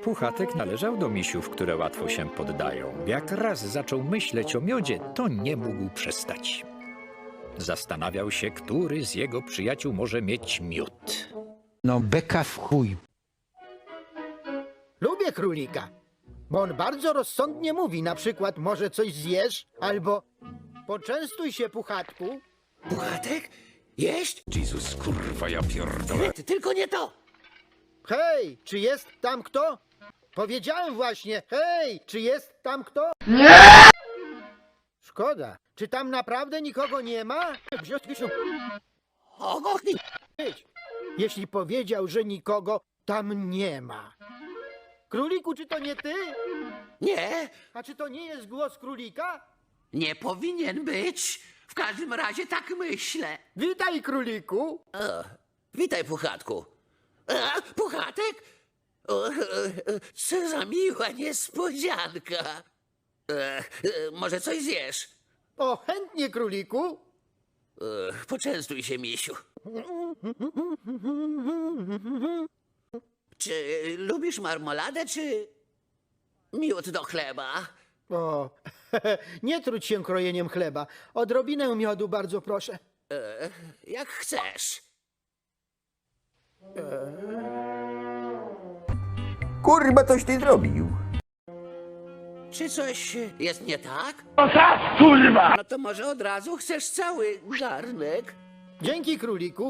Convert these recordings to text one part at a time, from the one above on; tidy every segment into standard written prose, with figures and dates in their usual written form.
Puchatek należał do misiów, które łatwo się poddają. Jak raz zaczął myśleć o miodzie, to nie mógł przestać. Zastanawiał się, który z jego przyjaciół może mieć miód. No beka w chuj. Lubię królika, bo on bardzo rozsądnie mówi. Na przykład, może coś zjesz, albo poczęstuj się, Puchatku. Puchatek? Jeść? Jezus, kurwa, ja pierdolę. Tylko nie to! Hej, czy jest tam kto? Powiedziałem właśnie, hej, czy jest tam kto? Nie! Szkoda, czy tam naprawdę nikogo nie ma? Ogochnij! Jeśli powiedział, że nikogo tam nie ma. Króliku, czy to nie ty? Nie, A czy to nie jest głos królika? nie powinien być. W każdym razie tak myślę. Witaj, króliku. Witaj, Puchatku. Puchatek? Co za miła niespodzianka. Może coś zjesz? O, chętnie, króliku. Poczęstuj się, misiu. Czy lubisz marmoladę, czy miód do chleba? O, nie trudź się krojeniem chleba. Odrobinę miodu, bardzo proszę. Jak chcesz. Kurwa, coś ty zrobił. Czy coś jest nie tak? Kurwa! No to może od razu chcesz cały garnek? Dzięki, króliku.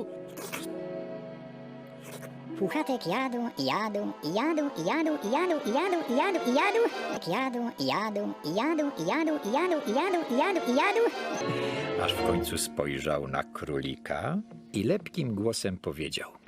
Puchatek jadł, jadł, jadł, jadł, jadł, jadł, jadł, jadł, jadł, jadł, jadł, jadł, jadł, jadł, jadł, jadł. Aż w końcu spojrzał na królika i lepkim głosem powiedział: